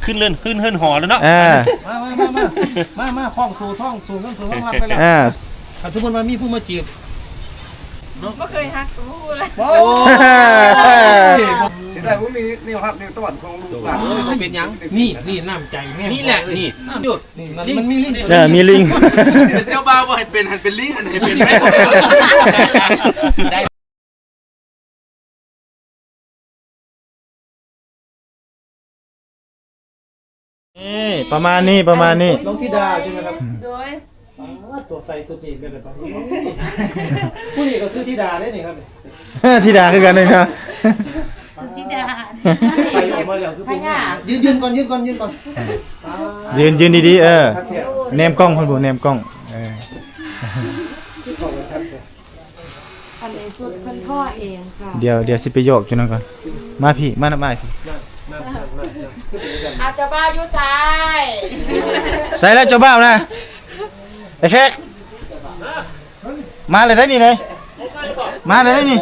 ขึ้นเลื่อนขึ้นหอแล้วเนาะมาคล้องสู่ท้องสู่ท้องรัดไปแล้วถ้าสมมติว่ามีผู้มาจีบไม่เคยฮักกูพูดเลยโอ้เสียดายว่ามีนี่ครับนี่ต้นของลูกหลานเป็นยังนี่น้ำใจแม่นี่แหละนี่หยุดมันมีลิงมีลิงเป็นเจ้าบ้าว่าให้เป็นลิงให้เป็นไม่ได้นี่ประมาณนี้น้องธิดาใช่ไหมครับโดยตัวใส่สุดนี่เป็นแบบนี้ผู้นี้ก็ซื้อธิดาได้นี่ครับธิดาคือกันเลยนะสุธิดาใส่ออกมาแล้วคือเป็นยืนก่อนยืนดีๆเนมกล้องคนบุเนมกล้องอันนี้สุดพันท่อเองค่ะเดี๋ยวสิไปโยกจุนั่นก่อนมาพี่มาพี่อาจจะบ้าอยู่ซ้ายใส่แล้วเจ้าบ้านะไอ้เช็คมาเลยได้นี่เลยมาเลยได้นี่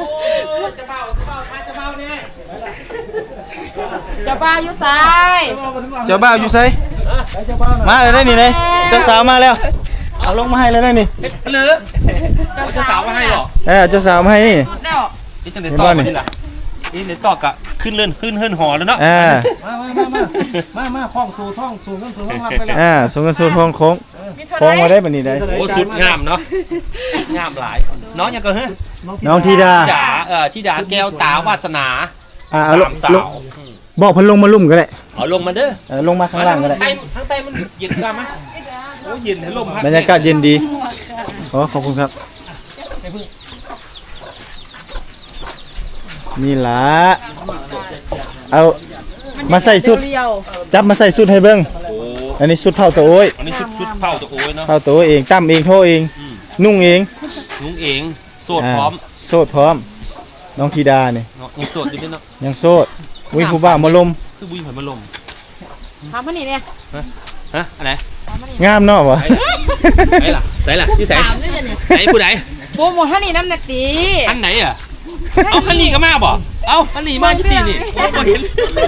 จะบ้าอยู่ซ้ายเจ้าบ้าอยู่ไสมาเลยได้นี่เลยเจ้าสาวมาแล้วเอาลงมาให้เลยได้นี่หรือเจ้าสาวมาให้หรอเจ้าสาวมาให้นี่นี่จะไหนต่อนี่ล่ะนี่ไหนต่อก็ขึ้นเลื่อนขึ้นหอแล้วเนาะมาคล้องสู่ท้องสู่ท้องรัดไปแล้วส่งกันสู่ท้องโค้งมาได้แบบนี้ได้โอ้สุดงามเนาะงามหลายน้องยังก็เฮ้ยน้องธิดาธิดาแก้วตาวาสนาสาวบอกพันลงมาลุ่มก็ได้เอาลงมาเด้อลงมาข้างล่างก็ได้ทั้งใต้มันเย็นกันไหมโอ้เย็นให้ลมพัดบรรยากาศเย็นดีขอบคุณครับนี่ล่ะเอามาใส่สุดจับมาใส่สุดให้เบิ้งอันนี้สุดเผาตัวโอ้ยอันนี้ชุดเผาตัวโอ้ยเนาะเผาตัวเองตั้มเองโทเองนุ่งเองโสดพร้อมน้องธิดาเนี่ยยังโสดอยู่ด้วยเนาะยังโสดอุ้ยผู้บ่าวมาลมคือบุ้ยเหมือนมาลมทำมันนี่เนี่ยฮะอะไรงามเนาะวะไหนล่ะที่ใส่ไหนผู้ใดโปรโมทท่านี่น้ำหนักตีอันไหนอ่ะเอาฮันนี่ก็มาบ่เอาฮันนี่มาที่ตีนี่โอ้เห็น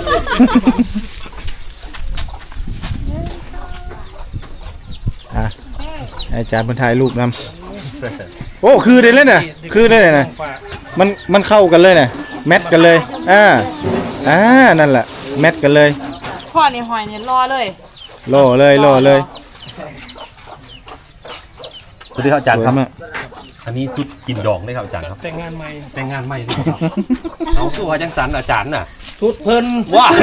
อาจารย์บรรทายรูปนำโอ้คือได้เลยนะมันเข้ากันเลยนะแมทกันเลยนั่นแหละแมทกันเลยพ่อนี่หอยเนี่ยรอเลยสวัสดีครับอาจารย์ครับอันนี้สุดกินดองได้ครับอาจารย์ครับแต่งงานใหม่ด้วยครับเอาตัวจังสันอาจารย์น่ะสุดเพลินว้า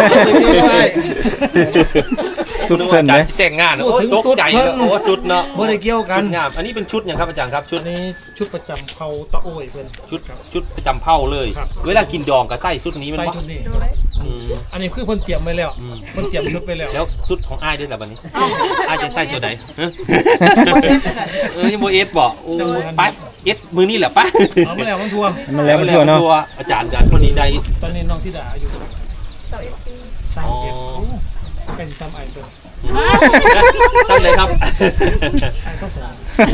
สุดเพลินเลยแต่งงานโอ้ตกใจโอ้สุดเนาะบ่ได้เกี่ยวกันงามอันนี้เป็นชุดอย่างครับอาจารย์ครับชุดนี้ชุดประจำเผ่าตะโอยเพื่อนชุดประจำเผ่าเลยเวลากินดองกับไส้ชุดนี้มันชุดนี้อันนี้คือเพิ่นเตรียมไว้แล้วเพิ่นเตรียมชุดไปแล้วชุดของอ้ายด้วยแต่บัดนี้อ้ายจะใส่ตัวไหนยังโมเอสบอกโอ้ไปเอสมือนี่แหละปะเอามาแล้วมันทัวเนาะอาจารย์คนนี้ได้ตอนนี้น้องธิดาอายุ31เป็นซ้ำไอตัวซ้ำเลยครับไอเศร้าสา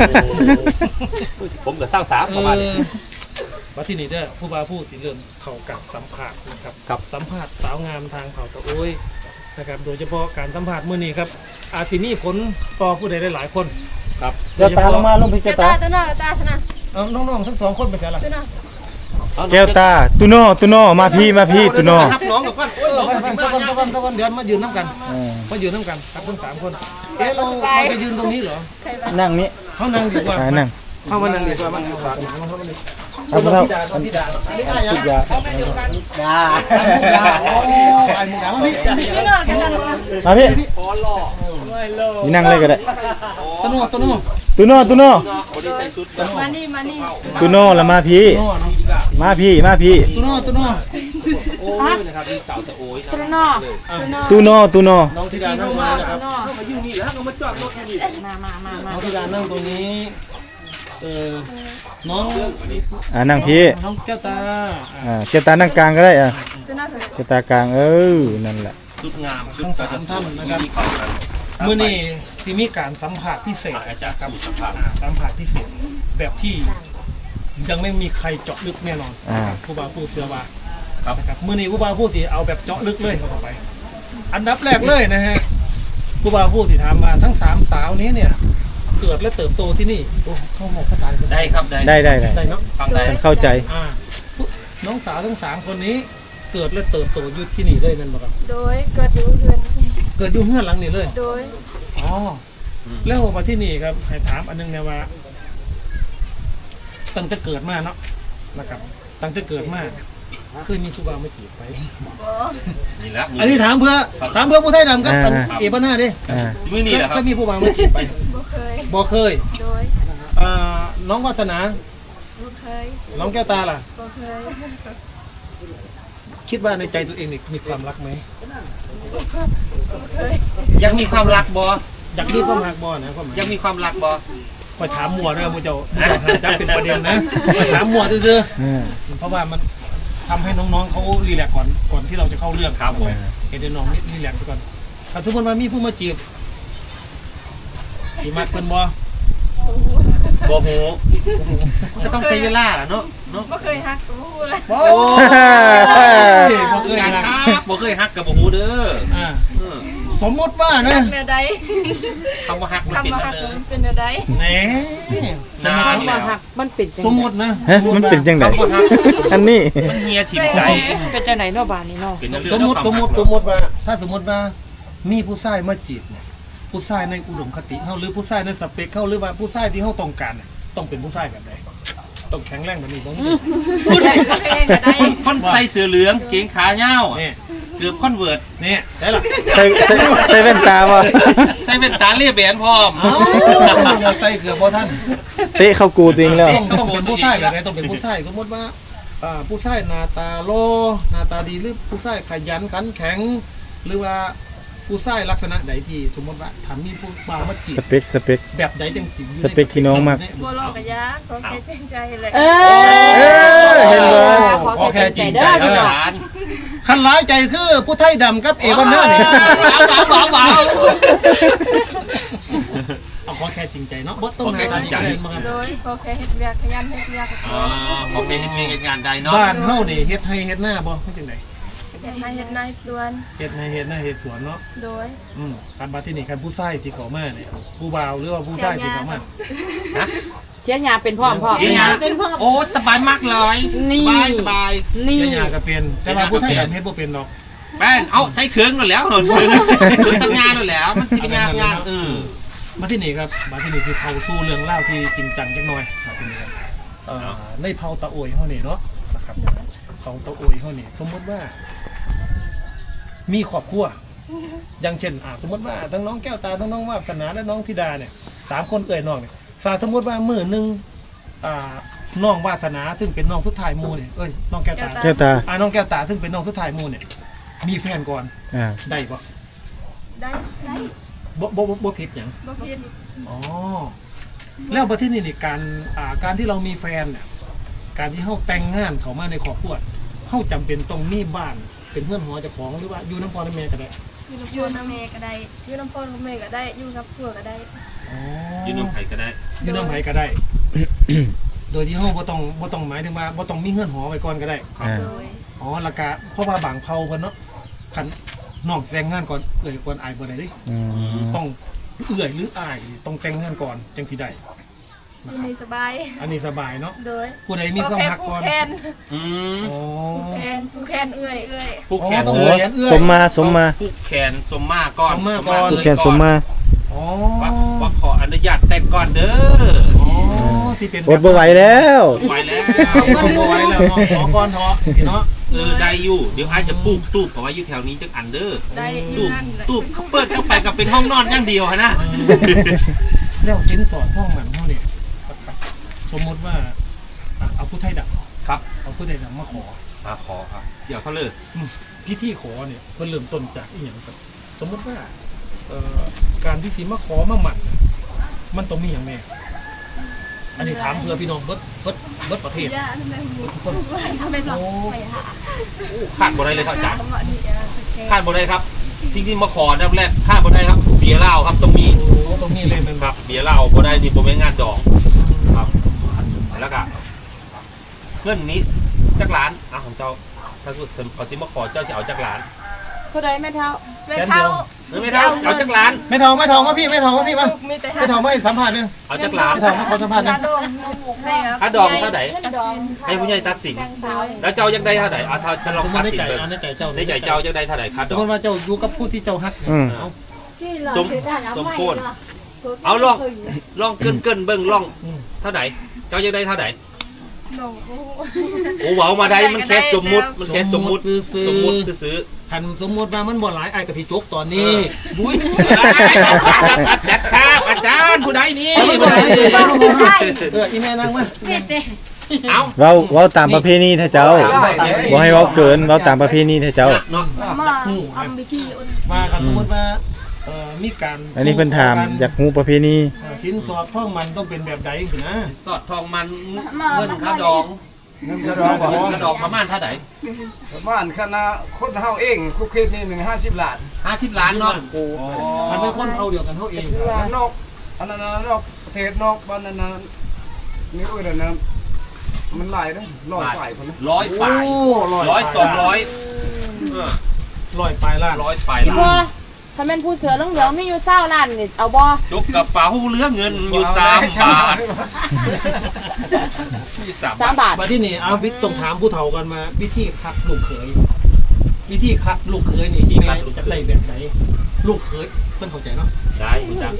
ผมกับเศร้าสาประมาณนี้ว่าที่นี่เด้อผู้บ่าวผู้สิเริ่มเข้ากับสัมภาษณ์นะครับสัมภาษณ์สาวงามทางเผ่าตะโอยนะครับโดยเฉพาะการสัมภาษณ์มื้อนี้ครับอาจสิมีผลต่อผู้ใดหลายคนครับเจ้าตาลงมาลงพิจารณาตัวน้าชนะน้องๆทั้ง2คนไปเสียละแก้วตาตุโน่มาพี่ตุโน่น้องกับกันตะวันเดี๋ยวมายืนน้ำกันครับทั้ง3คนเราจะยืนตรงนี้เหรอนั่งนี้เขานั่งดีกว่านั่งเข้ามานั่งดีกว่ามันฝากเอาธิดานี่ไอ้ยังดาไอ้มุกดามาพี่นี่นั่งเลยก็ได้ตุโน่มานี่ตุโน่ละมาพี่ตุโน่โอ้ยนะครับนี่สาวตะโอยตุโน่น้องธิดานั่งมานะครับมาอยู่นี่แล้วก็มาจอดรถอยู่นี่มาน้องธิดานั่งตรงนี้น้องนั่งพี่น้องแก้วตาแก้วตานั่งกลางก็ได้แก้วตากลางนั่นแหละสุดงามทั้ง3ท่านนะครับมื้อนี้ที่มีการสัมภาษณ์พิเศษอาจารย์ครับสัมภาษณ์พิเศษแบบที่ยังไม่มีใครเจาะลึกแน่นอนผู้บ่าวผู้เสือว่าครับมื้อนี้ผู้บ่าวผู้สิเอาแบบเจาะลึกเลยเข้าไปอันดับแรกเลยนะฮะผู้บ่าวผู้ที่ถามมาทั้ง3สาวนี้เนี่ยเกิดและเติบโตที่นี่โอ้เข้าหมกภาษาอังกฤษได้ครับได้ได้เนาะฟังได้ฉันเข้าใจน้องสาวทั้ง3คนนี้เกิดและเติบโตอยู่ที่นี่เลยแม่นบ่ครับโดยเกิดอยู่เพื่อนเกิดอยู่เฮือนหลังนี้เลยโดยอ๋อแล้วมาที่นี่ครับให้ถามอันนึงนะว่าตั้งแต่เกิดมาเนาะนะครับตั้งแต่เกิดมาเคยมีผู้บ่าวมาจีบไปนี่ละอันนี้ถามเพื่อผู้ไทยดำครับอันเอบ้าหน้าดิสิมื้อนี้แหละคเครับยมีผู้บ่าวมาจีบไปบ่เคยบ่เคยโดยน้องวาสนาบ่เคยน้องแก้วตาล่ะบ่เคยคิดว่าในใจตัวเองนี่มีความรักไหมบ่เคยยังมีความรักบ่อยากมีความรักบ่นะความหมายยังมีความรักบ่คอยถามมัวด้วยมึงจะหาจับเป็นประเด็นนะคอยถามมัวซื่ออ่าๆเพราะว่ามันทำให้น้องๆเขารีแลกซ์ก่อนที่เราจะเข้าเรื่องครับผมเห็นน้องรีแลกซ์ซะก่อนถ้าสมมติว่ามีผู้มาจีบจีบมากเกินบ่บ่ฮู้ก็ต้องใช้เวลาล่ะเนาะบ่เคยฮักก็บ่ฮู้เลยโอ้ยบ่เคยงานนะครับบ่เคยฮักกับบ่ฮู้เด้ออ่าสมมติว่านะแนวใดคำว่าฮักมันคำเป็นว่านั่ฮันกเด้อมันเป็นแนวใดแหน่นานแล้วมันเป็นจังสมมตินะฮะมันเป็นจังไดคำว่าฮักอันนี้มันเฮียถิ่มใสเป็นจังไหนเนาะบ้านนี้เนาะเป็นเรื่องสมมติของสมมติความสมมติว่า ถ้าสมมติว่ามีผู้ชายมาจีบเนี่ยผู้ชายในอุดมคติเขาหรือผู้ชายในสเปคเขาหรือว่าผู้ชายที่เขาต้องการเนี่ยต้องเป็นผู้ชายแบบไหนต้องแข็งแรงแบบนี้ต้องพูดได้ก็ได้คนใส่เสื้อเหลืองเกงขาเหย้าเนี่ยเกือบคอนเวิร์ตเนี่ยได้หรอใส่แว่นตาบ่ใส่แว่นตาเลียแบนพร้อมเอ้าใส่เกือบบ่ท่านเตะเข้ากูตัวเองแล้วต้องเป็นผู้ชายแบบไหนต้องเป็นผู้ชายสมมติว่าผู้ชายหน้าตาโลหน้าตาดีหรือผู้ชายขยันขันแข็ง หรือว่าผู้ชายลักษณะใดที่สมมติว่าถ้ามีผู้บ่าวมาจีบสเปคแบบใดจังจิ๋วอยู่ในสเปคที่น้องมากบ่รอกะยาขอแค่จริงใจเลยเห็นบ่ขอแค่จริงใจอาเด้อจารย์คันร้ายใจคือผู้ไทยดำกับเอวันหน้าเนี่ยหวาวเอาขอแค่จริงใจเนาะบ่ต้องหน้าตาดีกันเลยมาครับโดยขอแค่เฮ็ดเวียกขยันเฮ็ดเวียกอ๋อขอเป็นมีงานใดเนาะบ้านเฮานี่เฮ็ดให้เฮ็ดหน้าบ่เฮ็ดจังได๋เฮ็ดให้เฮ็ดนายสวนเฮ็ดให้เฮ็ดหน้าเฮ็ดสวนเนาะโดยคันบัดที่นี่คันผู้ชายที่เข้ามาเนี่ยผู้บ่าวหรือว่าผู้ชายที่เข้ามาเสียหยาเป็นพ่อพ่อเฮียโอ้สบายมากเลยสบายนี่เฮ็ดหญ้าก็เป็นแต่ว่าผู้ไทยดำเฮ็ดบ่เป็นดอกแป้นเอาใส่เครื่องแล้วเหรอเครื่องตั้งงานแล้วมันจะเป็นงานมาที่นี่ครับมาที่นี่คือเข้าสู่เรื่องเล่าวที่จริงจังจักหน่อยมาที่นี่ครับในเผาตะโอยเฮานี่เนาะนะครับเผาตะโอยเฮานี่สมมติว่า มีครอบครัวอย่างเช่นสมมติว่าทั้งน้องแก้วตาทั้งน้องวาสนาและน้องธิดาเนี่ย3คนเอ่ยน้องเนี่ยสมมติว่ามื้อนึงน้องวาสนาซึ่งเป็นน้องสุดท้ายหมู่เนี่ยน้องแก้วตาแก้วตาน้องแก้วตาซึ่งเป็นน้องสุดท้ายหมู่เนี่ยมีแฟนก่อนอ่าได้ปะได้ได้บ่ผิดหยังบ่ผิดอ๋อแล้วประเทศนี้นี่การที่เรามีแฟนเนี่ยการที่เฮาแต่งงานเข้ามาในครอบครัวเฮาจำเป็นต้องมีบ้านเป็นเพื่อนหอเจ้าของหรือว่าอยู่น้ำพ่อน้ำแม่ก็ได้อยู่น้ำแม่ก็ได้อยู่น้ำพ่อน้ำแม่ก็ได้อยู่กับผัวก็ได้อ๋อยืนน้ำไผ่ก็ได้อยู่น้ำไผก็ได้ โดยที่เฮาบ่ต้องหมายถึงว่าบ่ต้องมีเฮือนหอไว้ก่อนก็ได้อ่าโดยอ๋อแล้วก็เพราะว่าบางเผ่าเพิ่นเนาะคันน้องแต่งงานก่อนก่อนอายบ่ได้เด้อืมต้องหรืออายต้องแต่งงานก่อนจังสิได้อยู่ในสบายอันนี้สบายเนาะโดยผู้ใดมีความรักก่อนผู้แคนอืมอ๋อผู้แคนเอื้อยผู้แขนต้องโอ้แขนเอื้อยสมมาผู้แขนสมมาก่อนผู้แขนสมมาอ๋อว่าขออนุญาตแต่งก่อนเด้ออ๋อที่เป็นอดบ่ไหวแล้วไหวแล้วบ่ไหวแล้วเนาะขอก่อนเถอะพี่เนาะได้อยู่เดี๋ยวอาจจะปลูกตู้เพราะว่าอยู่แถวนี้จังอันเด้อได้อยู่ตู้นั่นแหละตู้เขาเปิดเข้าไปกับเป็นห้องนอนอย่างเดียวฮะนะแล้วสินสอดท่องมันเฮาเนี่ยสมมุติว่าเอาผู้ไทยดำครับเอาผู้ไทยดำมาขอมาขอครับเสียเขาเลยพิธีขอเนี่ยเพิ่นเริ่มต้นจากอีหยังครับสมมุติว่าการที่สิมาขอมาหมั่นน่ะมันต้องมีหยังแน่อันนี้ถามเพื่อพี่น้องเบิดประเทศย่าทำไมหมูทำไมหลอกไปหาขาดบ่ได้เลยครับอาจารย์คำว่านี่ขาดบ่ได้ครับทิ้งที่มาขออันดับแรกขาดบ่ได้ครับเบียร์เหล้าครับต้องมีโอ้ตรงนี้เลยเป็นคแบรับบ เบียร์เหล้าบ่ได้นี่บ่แม่นงานดองครับแล้วก็เงินนี้จักล้านของเจ้าถ้าสุดขอสิมาขอเจ้าสิเอาจักล้านเท่าใดแม่เท่าแม่เท่าไม่เท่าเอาจักล้านไม่ทองมาพี่ไม่ทองมาพี่มามีแต่ไม่ทองมาให้สัมภาษณ์นึงเอาจักล้านไม่ทองมาขอสัมภาษณ์นึค่าง ดองให้ครับค่าดองเท่าไหร่ดองให้ผู้ใหญ่ตัดสินแล้วเจ้ายังได้เท่าไหร่เอาเท่าจะลองสมมตัดติในสินใจเบิ่งในใจเจ้าในใจเจ้ายังได้เท่าไหร่ค่าสดมอมงติว่าเจ้าอยู่กับผู้ที่เจ้าฮัก เอาสมควรเอาลองเกินเบิ่งลองเท่าไหร่เจ้ายังได้เท่าไหร่หนูโอ้เว้ามาได้มันแค่สมมุติมันแค่สมมุติซื้อคันสมมติว่ามันบ่หลายไอ้กะทิจกตอนนี้บุ้ยจัดครับอาจารย์ผู้ใดนี่ผู้ใดอีแม่นั่งมาเอาเว้าตามประเพณีเถอะเจ้าบ่ให้เว้าเกินเว้าตามประเพณีเถอะเจ้าเนาะมาอัมบิกี้อุ่นมาคันสมมติว่ามีการอันนี้เพิ่นถามอยากฮู้ประเพณีสินสอดท่องมันต้องเป็นแบบใดสินะสอดทองมันเงินค่าดองเงินกระดองบอกค่าดองประมาณเท่าไหร่บ้านคณะคนเฮาเองคุกคิดนี่150 ล้าน 50 ล้านเนาะมันเป็นคนเอาเดียวกันเท่าเองนอกอันนั้นนอกประเทศนอกบ้านนั้นนี่เอ้ยนะมันหลายเด้อ100 กว่าคนนะร้อยปลายร้อย200 ลอยปลายล้านร้อยปลายอีพ่อล้านถ้าแม่นผู้เสือเหลืองๆมีอยู่20ล้านนี่เอาบ่ยกกระเป๋าเหลือเงินอยู่3 บาทอยู่3 3 บาทบาทมาที่นี่เอาวิต้องถามผู้เฒ่ากันมาวิธีคัดลูกเขยวิธีคัดลูกเขยนี่แม่จะได้แบบไหนลูกเขยเพิ่นเข้าใจเนาะได้คุณจัก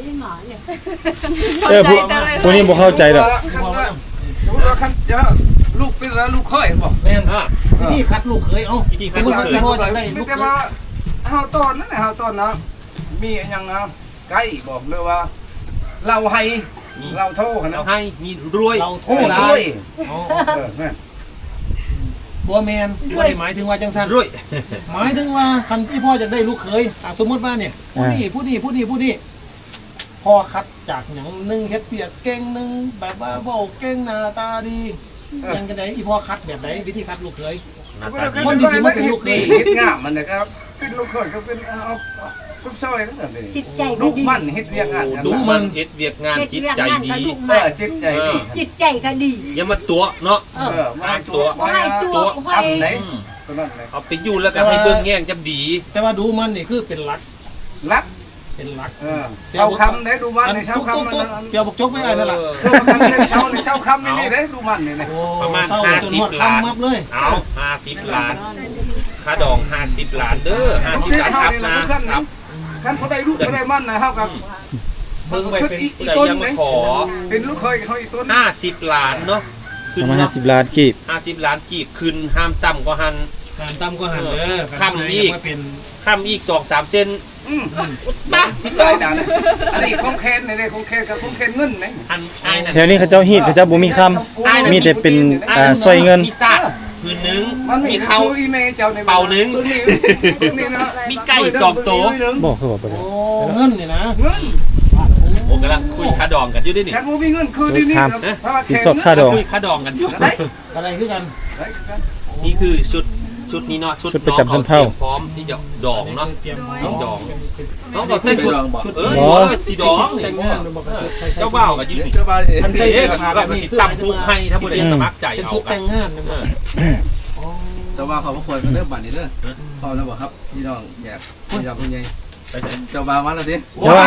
ผู้นี้บ่เข้าใจดอกสมมุติว่าคันจะลูกเป็นแล้วลูกค่อยบอกแม่นวิธีคัดลูกเขยเอ้าสมมติว่าพ่อจะได้ลูกแต่เขว่าย เฮาตอนนั้นเฮาตอนนะมีอันยังนะไก่บอกเลยว่าเราให้เราโทษกันเรานะให้มีรวยเราโทโอ้ษรวยอ๋อแม่บัวแมนบ่ได้หมายถึงว่าจังซั่นรวยหมายถึงว่าคันที่พ่อจะได้ลูกเขยสมมติว่าเนี่ยผู้นี้พ่อคัดจากหยังหนึงเฮ็ดเปียกเก่งหนึงแบบว่าเว้าเก่งหน้าตาดียังกันไดอีพ่อคัดแบบไหนวิธีคัดลูกเขยหน้าตาดีคนที่สิมาเป็นลูกเขยเฮ็ดงามมันนะครับเป็นลูกเคยก็เป็นเอาซุปซอยนั่นแหละจิตใจลูก็กดีมันเฮ็ดเวียกงานดูมันเฮ็ดเวียกงานจิตใจดีลูกเอมันอจิตใจดีจิตใจก็ดีอย่ามาตัวเนาะมาให้ตัวให้ตัวให้ทำไหนตัวนั้นเลยเอาไปอยู่แล้วก็ให้เบิ่งแย่งจำดีแต่ว่าดูมันนี่คือเป็นหลักรักเป็นหลักเช้าคำได้ดูมันในเช้าคำมันเกี่ยวบกจกไม่ได้นั่นแหละเช้าคำในเช้าในเช้าคำนี่ได้ดูมันนี่ประมาณเศร้าจนหมด 50 ล้านคำมับเลยเอา50 ล้านค่าดอง50 ล้านเด้อ50 ล้านครับนะครับท่านเขาได้ลูกเขาได้มันนะเท่ากับเบิ่งไปเป็นผู้ใดยังมาขอเป็นลูกเคยเขาอีกต้น 50 ล้านเนาะประมาณ50ล้านกีบ 50 ล้านกีบขึ้นห้ามต่ำกว่าหันหันตำก็หันเด้อคำนี้มาเป็นข้ามอีก 2-3 เซนตาตายนะอันนี้คงแคนนี่คงแคนกับคงแคนเงินนะอันอ้ายนั่นแถวนี้เขาเจ้าฮีดเขาเจ้าบ่มีคำมีแต่เป็นซอยเงินมีซากพื้นหนึงมันมีเขาอีเมเจ้าในเป่าหนึ่งนี่นะมีไก่2 ตัวบอกคือว่าบ่ได้โอ้เงินนี่นะเงินผมกำลังคุยค่าดองกันอยู่ด้วยนี่แค่มีเงินคือที่นี่สินสอดค่าดองคุยค่าดองกันอยู่อะไรคือกันนี่คือชุดนี้เนาะชุดประจำชั้นเผ่าตรียมพร้อมที่จะดองเนาะเตรียมน้องดอง น้องบอกเต้นชุดชุดเอออ๋อสีดองนี่แต่งงานบอกว่าใส่เจ้าบ่าวกับยืนนี่ทันใส่เอ๊ะเสื้อผ้าก็แบบนี้ติดตามทุกให้ถ้าผู้ใดสมัครใจเป็นเอาชุดกัแต่นงงานนะเอบอกอแต่ว่าเขาบ่ควรกันเด้อบัดนี้เด้อพอแล้วบ่ครับพี่น้องอยากพี่น้องคุณยายไปไหนเจ้าบ่าวมาแล้วดิโอ้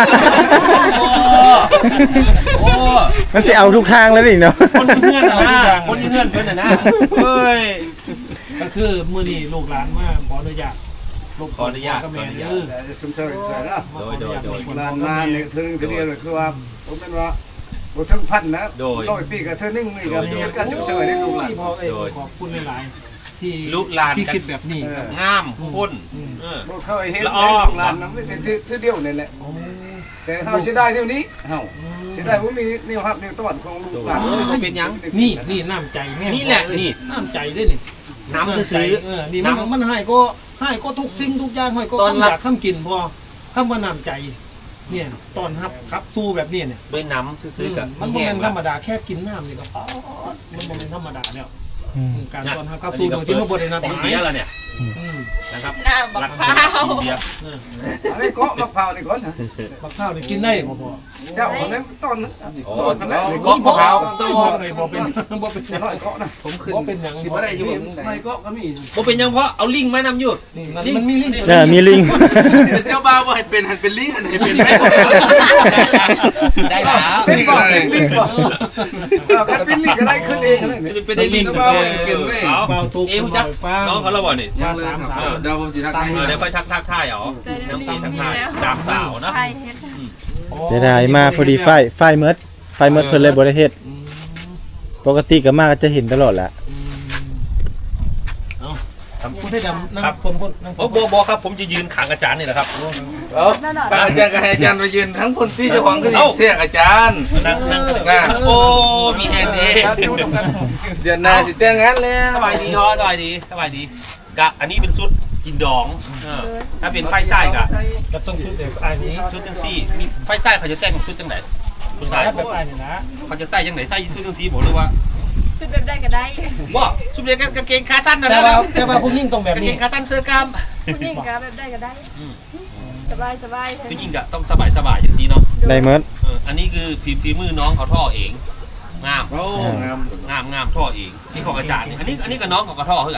โอ้มันสิเอาทุกทางแล้วนี่เนาะคนที่เงื่อนน่ะนะคนที่เงื่อนเพื่อนน่ะนะเฮ้ยก็คือมื้อนี้ลูกหลานมาขออนุญาตลูกขออนุญาตก็แม่เด้อสมเสด็จนะมาขออนุญาตโดยลานมาเนี่ยเธอเดียวเลยคือว่าผมเป็นว่าบททั้งพันนะ100 ปีกับเธอนึ่งนี่กับเหตุการณ์ฉุกเฉินได้ลูกหลานพ่อขอบคุณหลายๆที่ลูกหลานที่กันคิดแบบนี้ครับงามคนเออบ่เคยเห็นลูกหลานนั้นไม่แต่ที่เดียวนี่แหละ แต่เฮาเสียดายเดี๋ยวนี้เฮาเสียดายว่ามีนิ้วฮับนิ้วต้อนของลูกหลานเป็นหยังนี่น้ำใจแห้งนี่แหละนี่น้ำใจได้นี่น้ำจะซื้อนี่มันให้ก็ทุกสิ่งทุกอย่างให้ก็ตอนคำรัอบ ยากคำกินพอคำว่าน้ำใจ เนี่ยตอนครับสู้แบบนี้เนี่ยด้วยน้ำซื้อๆกับมันบ่แม่นธรรมดาแค่กินน้ำนี่ก็มันบ่แม่นธรรมดาแล้วการตอนรับครับสู้โดยที่เขาบ่ได้นัดหของมายเบียร์ละเนี่ยฮนะครับหน้าบักรักพร้าวอินเดียอันนี้เกาะมะพร้าวนี่ก่อนนะบักข้าวนี่กินได้บ่พ่อเจ้าคนนั้นต้นนะต้นแล้วเกาะมะพร้าวต้นบ่เป็นบ่เป็นจะน้อยเกาะนะผมขึ้นบ่เป็นหยังสิบ่ได้อยู่ผมไม่เกาะก็มีบ่เป็นหยังเพราะเอาลิงก์มานำอยู่นี่มันมีลิงก์มีลิงเป็นเจ้าบ่าวบ่ให้เป็นหันเป็นลิงหันให้เป็นแม่ได้แล้วเป็นบ่เป็นลิงบ่ถ้าเป็นลิงก็ได้ขึ้นเองนะนี่เป็นได้ลิงก์เจ้าบ่าวให้เป็นแม่เอาเบาตุกเอ๊ะรู้จักฟังน้องเขาแล้วบ่นี่ยังเลยครับเดี๋ยวผมสิทักทายเดี๋ยวค่อยทักทายเอาน้องตีทักทายสามสาวนะไทยเฮ็ดเสียดายมาพอดีไฟเมิดเพิ่นเลยบ่ได้เฮ็ดปกติก็มาก็จะเห็นตลอดแหละผู้ที่ดำนั่งคนนั่งโอ้บครับผมจะยืนขังอาจารย์นี่แหละครับป้าอาจารย์ก็ให้อาจารย์มายืนทั้งคนที่เจ้าของก็สิเสียอาจารย์นั่งโอ้โอ้มีแฮนด์ดีเดือนหน้าสิแต่งงานแล้วสบายดีฮะสบายดีกะอันนี้เป็นชุดกินดองถ้าเป็นไฟไส้กะก็ต้องชุดแบบอันนี้ชุดจังซี่มีไฟไส้เขาจะแต่งชุดจังไหนคุณสายแบบอันนี้นะเขาจะใส่จังไหนใส่ชุดจังซี่บอกเลยว่าชุดแบบได้ก็ได้ว่าชุดเรียนกางเกงขาสั้นนะแต่ว่าผู้หญิงต้องแบบกางเกนี้งขาสั้นเสื้อกล้ามผู้หญิงก็แบบได้ก็ได้สบายผู้หญิงกะต้องสบายจังซี่เนาะได้เมิดอันนี้คือฝีมือน้องเขาท่อเองงามโอ้งามท่อเองที่ของอาจารย์นี่อันนี้กับน้องเขาก็ท่อเท่ากัน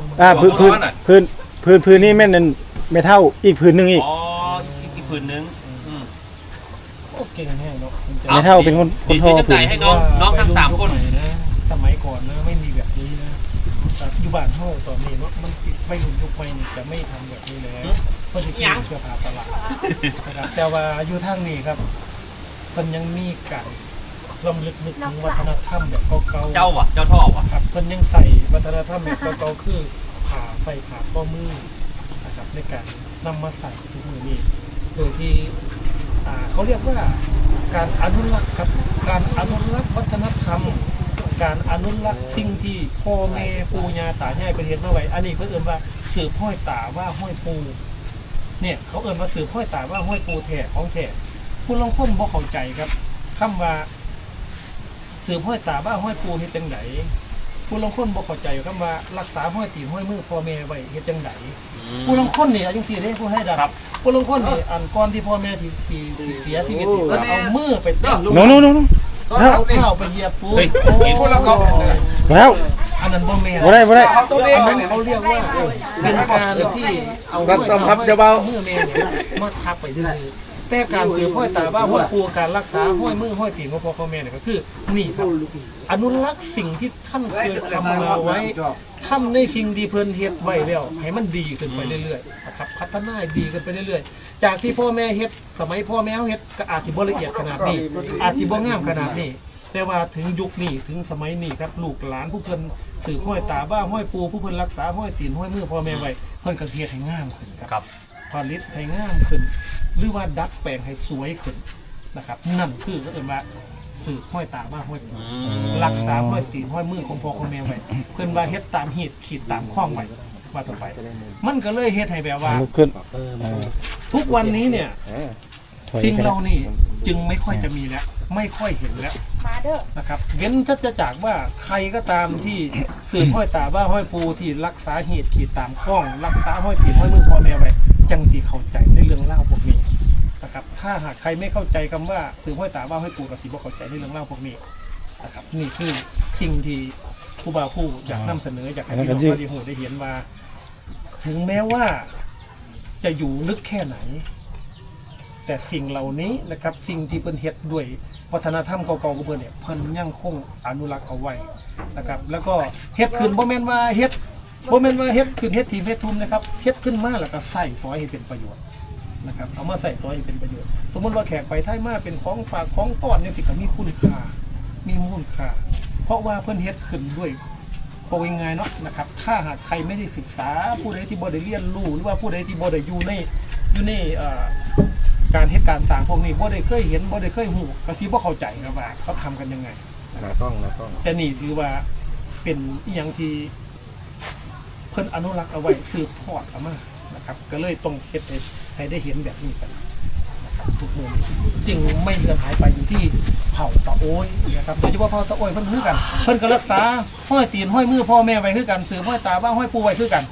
พื้นนี่แม่นนั่นไม่เท่าอีกพื้นนึงอีกอ๋ออีกผืนนึงโอ้เก่งแห้งเนาะไม่เท่าเป็นคนดีท่อจะพื้จ่าน ยให้น้องทั้ง3คนสมัยก่อนนะไม่มีแบบนี้นะอยู่บ้านเฮาตอนนี้เนาะมันไม่รุ่นยุคใหม่นี่จะไม่ทำแบบนี้แล้วเพราะสิซื้อเสื้อผ้าตลาดนะครับแต่ว่าอยู่ทางนี้ครับมันยังมีการรำลึกนึกถึงวัฒนธรรมแบบเก่าๆเจ้ท่อวะครับมันยังใส่วัฒนธรรมแบบเก่าๆคือผ่าใส่ผ่าข้อมือนะครับในการนำมาใส่ทุกมือนี้โดยที่เขาเรียกว่าการอนุรักษ์ครับการอนุรักษ์วัฒนธรรม การอนุรักษ์สิ่งที่พ่อแม่ปู่ย่าตายายประเทศมาไว้อันนี้เพิ่นเอิ้นว่าสืบห้อยตาว่าห้อยปูเนี่ยเขาเอิ้นว่าสืบห้อยตาว่าห้อยปูแท้ของแท้ผู้ลางคนบ่เข้าใจครับคำว่าสืบห้อยตาว่าห้อยปูเฮ็ดจังไดผู้ลางคนบ่เข้าใจคำว่ารักษาห้อยตีนห้อยมือพ่อแม่ไว้เฮ็ดจังไดผู้ลางคนนี่จังซี่เด้ผู้ให้ดับผู้ลางคนนี่อันก่อนที่พ่อแม่สิเสียชีวิตนี่เอามือไปเตะโน้เอาเท้าไปเหยียบปูเฮ้ยพวกเราเขาแล้วอันนั้นบ่แม่นบ่ได้อันนั้นเขาเรียกว่าเป็นการที่เอามือแม่เนี่ยมาทับไปซื่อๆแต่การสืบห้อยตาว่าห้อยปูการรักษาห้อยมือห้อยตีนของพ่อแม่เนี่ยก็คือนี่ครับอนุรักษ์สิ่งที่ท่านเคยทำมาไว้ทำในสิ่งที่เพิ่นเฮ็ดไว้แล้วให้มันดีขึ้นไปเรื่อยๆนะครับพัฒนาดีขึ้นไปเรื่อยๆจากที่พ่อแม่เฮ็ดสมัยพ่อแม่เฮ็ดก็อาจสิบ่ละเอียดขนาดนี้อาจสิบ่งามขนาดนี้แต่ว่าถึงยุคนี้ถึงสมัยนี้ครับลูกหลานผู้เพิ่นสืบห้อยตาบ้าห้อยปูผู้เพิ่นรักษาห้อยตีนห้อยมือพ่อแม่ไว้เพิ่นก็เฮ็ดให้งามขึ้นครับผลิตให้งามขึ้นหรือว่าดัดแปลงให้สวยขึ้นนะครับนั่นคือก็เอิ้นว่าสืบห้อยตาบ้าห้อยปูรักษาห้อยตีนห้อยมือของพ่อของแม่ไว้เพิ่นว่าเฮ็ดตามหีดขีดตามข้องไว้ว่าต่อไปมันก็เลยเฮ็ดให้แบบว่าลุกขึ้นทุกวันนี้เนี่ยสิ่งเรานี่จึงไม่ค่อยจะมีแล้วไม่ค่อยเห็นแล้วมาเด้อนะครับเว้นถ้าจะจากว่าใครก็ตามที่สืบห้อยตาว่าห้อยปูที่รักษาเหตุขีดตามข้องรักษาห้อยตีนห้อยมือพ่อแม่ไว้จังสีเข้าใจในเรื่องเล่าพวกนี้นะครับถ้าหากใครไม่เข้าใจคำว่าสืบห้อยตาว่าห้อยปูกับสีบ่เข้าใจในเรื่องเล่าพวกนี้นะครับนี่คือสิ่งที่ผู้บ่าวผู้อยากนำเสนออยากให้พี่น้องได้หูได้เห็นว่า ถึงแม้ว่าจะอยู่ลึกแค่ไหน แต่สิ่งเหล่านี้นะครับสิ่งที่เพิ่นเฮ็ดด้วยวัฒนธรรมเก่าๆของเพิ่นเนี่ยเพิ่นยังคงอนุรักษ์เอาไว้นะครับแล้วก็เฮ็ดขึ้นบ่แม่นว่าเฮ็ดขึ้นเฮ็ดทีมเฮ็ดทุนนะครับเฮ็ดขึ้นมาแล้วก็ใส่ซอยให้เป็นประโยชน์นะครับเอามาใส่ซอยให้เป็นประโยชน์สมมติว่าแขกไปไทยมาเป็นของฝากของต้อนเนี่ยสิก็มีคุณค่ามีมูลค่าเพราะว่าเพิ่นเฮ็ดขึ้นด้วยพอยังไงเนาะนะครับถ้าหากใครไม่ได้ศึกษาผู้ใดที่บ่ได้เรียนรู้หรือว่าผู้ใดที่บ่ได้อยู่ในการเหตุการณ์สร้างพวกนี้บ่ได้เคยเห็นบ่ได้เคยหูก็สิบ่เข้าใจครับว่าเขาทำกันยังไงต้องแต่นี่ถือว่าเป็นอีหยังที่เพิ่นอนุรักษ์เอาไว้สืบทอดเอามานะครับก็เลยต้องเฮ็ดให้ได้เห็นแบบนี้กันนะครับทุกมุมจึงไม่เลือนหายไปอยู่ที่เผ่าตะโอยนะครับโดยเฉพาะเผ่าตะโอยเพิ่นคือกันเพิ่นก็รักษาห้อยตีนห้อยมือพ่อแม่ไว้คือกันสืบห้อยตาบ้าห้อยปูไว้คือกัน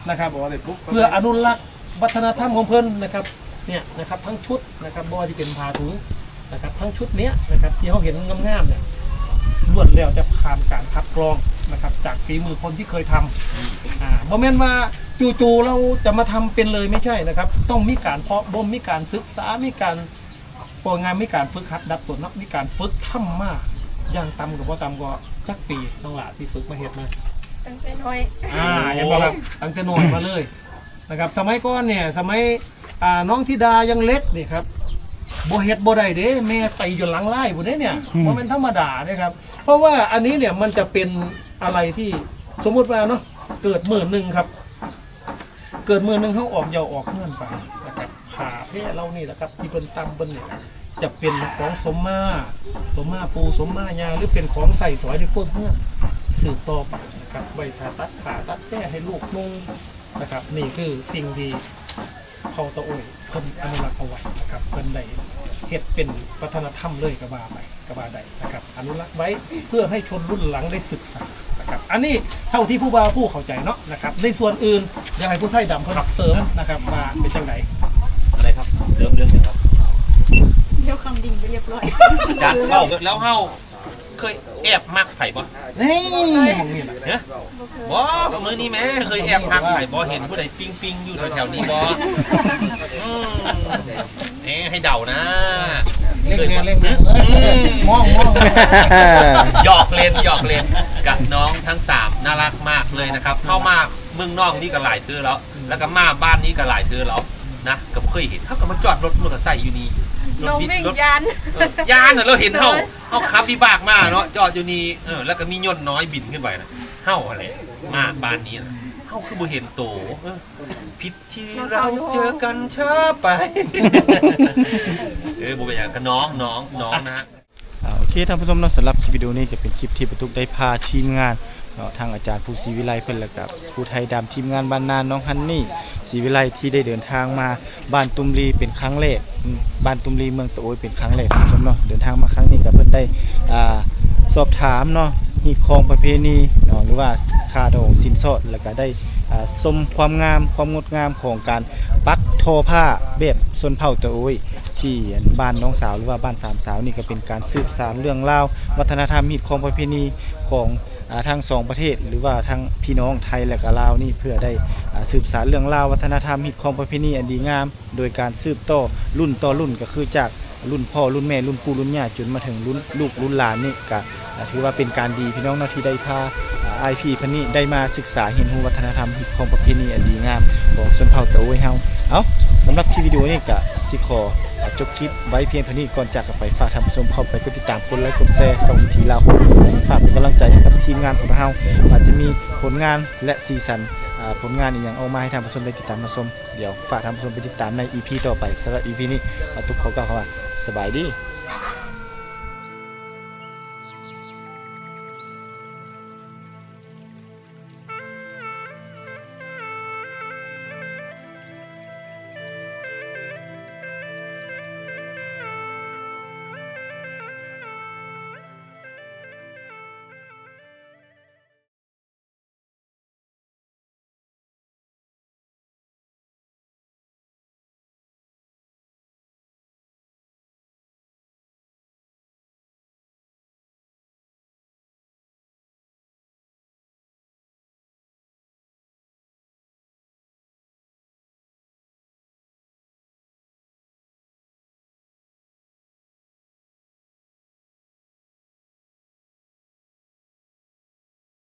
นะครับเพื่ออนุรักษ์วัฒนธรรมของเพิ่นนะครับเนี่ยนะครับทั้งชุดนะครับบ่ว่าที่เป็นผ้าถุงนะครับทั้งชุดเนี้ยนะครับที่เขาเห็นงามๆเนี่ยล้วนแล้วจะผ่านการคัดกรองนะครับจากฝีมือคนที่เคยทำโมเมนต์ว่าจู่ๆเราจะมาทำเป็นเลยไม่ใช่นะครับต้องมีการเพาะบ่มมีการศึกษามีการโปรงานมีการฝึกหัดดัดตนมีการฝึกทำมาอย่างต่ำกับว่าต่ำก็จักปีน้องหลาที่ฝึกมาเฮ็ดมาตั้งแต่น้อยเห็นบ่ครับตั้งแต่น้อยมาเลยนะครับสมัยก่อนเนี่ยสมัยน้องธิดายังเล็กนี่ครับบ่เฮ็ดบ่ได้เด้แม่ไตอยู่หลังไล่บ่ได้เนี่ยบ่แม่นธรรมดาเด้ครับเพราะว่าอันนี้เนี่ยมันจะเป็นอะไรที่สมมุติว่าเนาะเกิดมื้อนึงครับเกิดมื้อนึงเฮาออกเหยาออกเฮือนไปนะครับผ้าแพร่เรานี่แหละครับที่เพิ่นตำเพิ่นเนี่ยจะเป็นของสมมาปูสมมายาหรือเป็นของใส่สอยในพวกเฮือนสืบต่อไปนะครับไว้ถ้าตัดขาตัดแพร่ให้ลูกนุ่งนะครับนี่คือสิ่งที่เผ่าตะโอยเพิ่นอนุรักษ์เอาไว้นะครับเพิ่นได้เฮ็ดเป็นวัฒนธรรมเลยก็ว่าไปก็ว่าได้นะครับอนุรักษ์ไว้เพื่อให้ชนรุ่นหลังได้ศึกษานะครับอันนี้เท่าที่ผู้บ่าวผู้เข้าใจเนาะนะครับในส่วนอื่นเดี๋ยวให้ผู้ไทยดำเพิ่นเสริมนะครับว่าเป็นจังไดอะไรครับเสริมเรื่องหนึงครับเดี๋ยวคำดิ่งไปเรียบร้อยอาจารย์เล่าแล้วเฮาเคยแอบมักไผ่บ่นี่มองนี่แหละเนี่ยบ่มื้อนี้แม่เคยแอบมักไผ่บ่เห็นผู้ใดปิ้งอยู่แถวๆนี้บ่ให้เดานะเล่นงานมองหยอกเล่นกับน้องทั้ง3น่ารักมากเลยนะครับเข้ามาเมืองนอกนี่ก็หลายเทื่อแล้วก็มาบ้านนี้ก็หลายเทื่อแล้วนะก็บ่เคยเห็นเขาก็มาจอดรถมอเตอร์ไซค์อยู่นี่น้องวิ่งยันยานน่ะเราเห็นเฮาขับวิบากมาเนาะจอดอยู่นี่แล้วก็มียนต์น้อยบินขึ้นไปนะเฮาอะไรมาบ้านนี้นะเฮาคือบ่เห็นโตผิดที่เราเจอกันช้าไปบ่เป็นหยังก็น้องนะโอเคท่านผู้ชมเนาะสำหรับคลิปวิดีโอนี้จะเป็นคลิปที่ประตุกได้พาทีมงานเนาะทางอาจารย์ผู้ศรีวิไลเพิ่นและกับผู้ไทยดำทีมงานบ้านนานน้องฮันนี่ศรีวิไลที่ได้เดินทางมาบ้านตุมรีเป็นครั้งแรกบ้านตุมรีเมืองตะโอยเป็นครั้งแรกท่านผู้ชมเนาะเดินทางมาครั้งนี้ก็เพิ่นได้สอบถามเนาะฮีตของประเพณีเนาะหรือว่าค่าดองสินสอดแล้วก็ได้ชมความงามความงดงามของการปักทอผ้าแบบชนเผ่าตะโอยที่บ้านน้องสาวหรือว่าบ้านสามสาวนี่ก็เป็นการสืบสานเรื่องราววัฒนธรรมฮีตของประเพณีของทั้งสองประเทศหรือว่าทั้งพี่น้องไทยและก็ลาวนี่เพื่อได้สืบสานเรื่องราววัฒนธรรมฮีตของประเพณีอันดีงามโดยการสืบต่อรุ่นต่อรุ่นก็คือจากรุ่นพ่อรุ่นแม่รุ่นปู่รุ่นย่าจนมาถึงรุ่นลูกรุ่นหลานนี่ก็ถือว่าเป็นการดีพี่น้องที่ได้พาIP พันนี้ได้มาศึกษาเรียนรู้วัฒนธรรมฮีตของประเพณีอันดีงามของชนเผ่าตะโอยเฮาสำหรับคลิปวิดีโอนี้ก็สิขอจบคลิปไว้เพียงเท่านี้ก่อนจากกันไปฝากท่านผู้ชมเข้าไปกดติดตามกดไลค์กดแชร์ส่งวิธีลาวฝากเป็นกำลังใจให้กับทีมงานของเราอาจจะมีผลงานและซีซั่นผลงานอีกอย่างออกมาให้ท่านผู้ชมได้ติดตามรับชมเดี๋ยวฝากท่านผู้ชมไปติดตามใน EP ต่อไปสำหรับ EP นี้ทุกคนก็ขอว่าสบายดี